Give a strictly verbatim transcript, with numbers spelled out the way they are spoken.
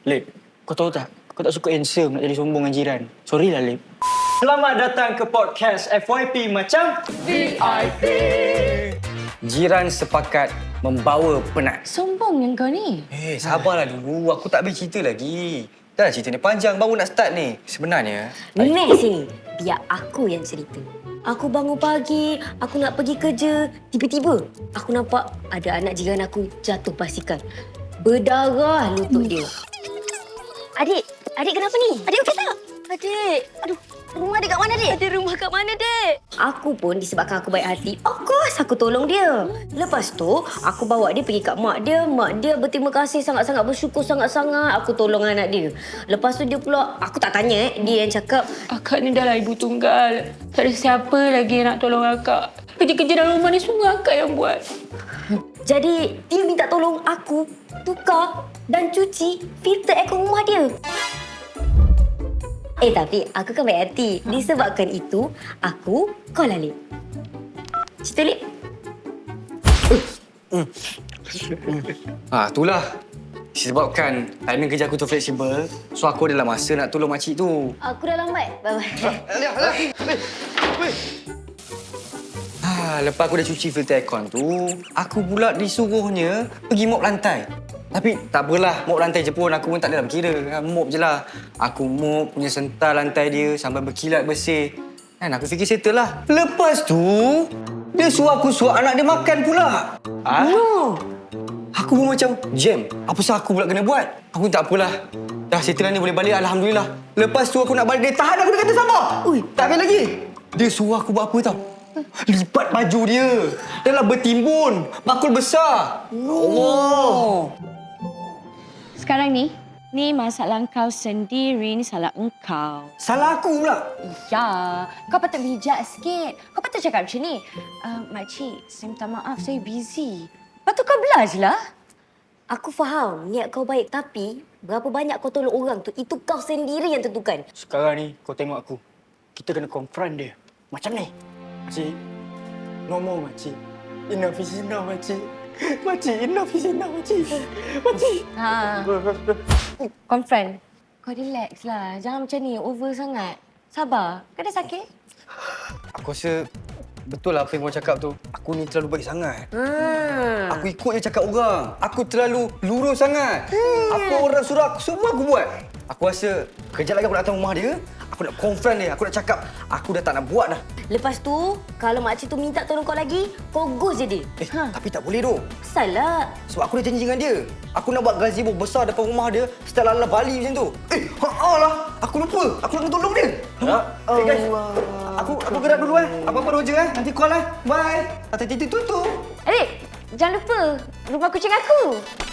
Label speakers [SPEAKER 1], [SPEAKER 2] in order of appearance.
[SPEAKER 1] Lip, kau tahu tak? Kau tak suka handsome nak jadi sombong dengan jiran. Sorry lah, Lip. Selamat datang ke podcast F Y P macam
[SPEAKER 2] V I P.
[SPEAKER 1] Jiran sepakat membawa penat.
[SPEAKER 2] Sombong yang kau ni.
[SPEAKER 3] Eh, sabarlah dulu. Aku tak habis cerita lagi. Dah cerita ni panjang, baru nak start ni. Sebenarnya...
[SPEAKER 4] Next sini, biar aku yang cerita. Aku bangun pagi, aku nak pergi kerja. Tiba-tiba, aku nampak ada anak jiran aku jatuh basikal. Berdarah lutut dia. Adik, adik kenapa ni? Adik okey tak? Adik, aduh, rumah adik kat mana, Dek? Ada rumah kat mana, Dek? Aku pun disebabkan aku baik hati, of course aku tolong dia. Lepas tu, aku bawa dia pergi kat mak dia. Mak dia berterima kasih sangat-sangat, bersyukur sangat-sangat aku tolong anak dia. Lepas tu dia pula, aku tak tanya eh, dia yang cakap,
[SPEAKER 2] Akak ni dah lah ibu tunggal. Tak ada siapa lagi yang nak tolong akak. Kerja-kerja dalam rumah ni semua akak yang buat.
[SPEAKER 4] jadi dia minta tolong aku tukar dan cuci filter aircon rumah dia. Eh tapi aku kan baik hati. Disebabkan itu, aku call Alip. Cerita Lip.
[SPEAKER 3] Ha, itulah. Disebabkan timing kerja aku tu fleksibel, so aku adalah masa nak tolong makcik tu.
[SPEAKER 4] Aku dah lambat. Bye-bye.
[SPEAKER 3] Alah, alah. Ha, lepas aku dah cuci filter aircon tu, aku pula disuruhnya pergi mop lantai. Tapi tak apalah, mop lantai je pun aku pun tak ada dalam kira. Mop je lah. Aku mop, punya sentar lantai dia sampai berkilat bersih. Kan aku fikir settle lah. Lepas tu, dia suruh aku suruh anak dia makan pula. Ha?
[SPEAKER 4] No.
[SPEAKER 3] Aku pun macam, jam, apa sah aku pula kena buat? Aku tak apalah. Dah settle ni boleh balik, Alhamdulillah. Lepas tu aku nak balik, dia tahan aku, dia kata sabar. Ui, tak habis lagi. Dia suruh aku buat apa tau? Lipat baju dia. Dah lah bertimbun. Bakul besar.
[SPEAKER 4] No.
[SPEAKER 3] Allah.
[SPEAKER 2] Sekarang ni, ni masalah kau sendiri, ni salah engkau.
[SPEAKER 3] Salah aku pula.
[SPEAKER 2] Ya, kau patut bijak sikit. Kau patut cakap macam ni. Uh, Makcik, saya minta maaf, saya busy. Lepas tu kau belah je lah.
[SPEAKER 4] Aku faham niat kau baik, tapi berapa banyak kau tolong orang tu, itu kau sendiri yang tentukan.
[SPEAKER 1] Sekarang ni kau tengok aku. Kita kena confront dia. Macam ni. Makcik, no more, makcik. Enough is enough, makcik. Makcik, enough is enough, makcik. Makcik.
[SPEAKER 2] Ha. Confront. Kau relax lah. Jangan macam ni. Over sangat. Sabar. Kau dah sakit?
[SPEAKER 3] Aku rasa betul lah apa yang kau cakap tu. Aku ni terlalu baik sangat.
[SPEAKER 4] Hmm.
[SPEAKER 3] Aku ikut je cakap orang. Aku terlalu lurus sangat. Hmm. Apa orang suruh aku, semua aku buat. Aku rasa kejap lagi aku nak datang rumah dia. Aku nak confront dia. Aku nak cakap, aku dah tak nak buat dah.
[SPEAKER 4] Lepas tu, kalau makcik tu minta tolong kau lagi, kau ghost je dia.
[SPEAKER 3] Eh, ha. Tapi tak boleh tu.
[SPEAKER 4] Salah.
[SPEAKER 3] Sebab aku dah janji dengan dia. Aku nak buat gazebo besar depan rumah dia. Style ala Bali macam tu. Eh, haa lah. Aku lupa. Aku nak tolong dia. Ya
[SPEAKER 4] Allah.
[SPEAKER 3] Eh, guys. Aku aku gerak dulu eh. Apa-apa roja eh. Nanti call eh. Bye. Hati-hati tutup.
[SPEAKER 2] Adik, jangan lupa. Rumah kucing aku.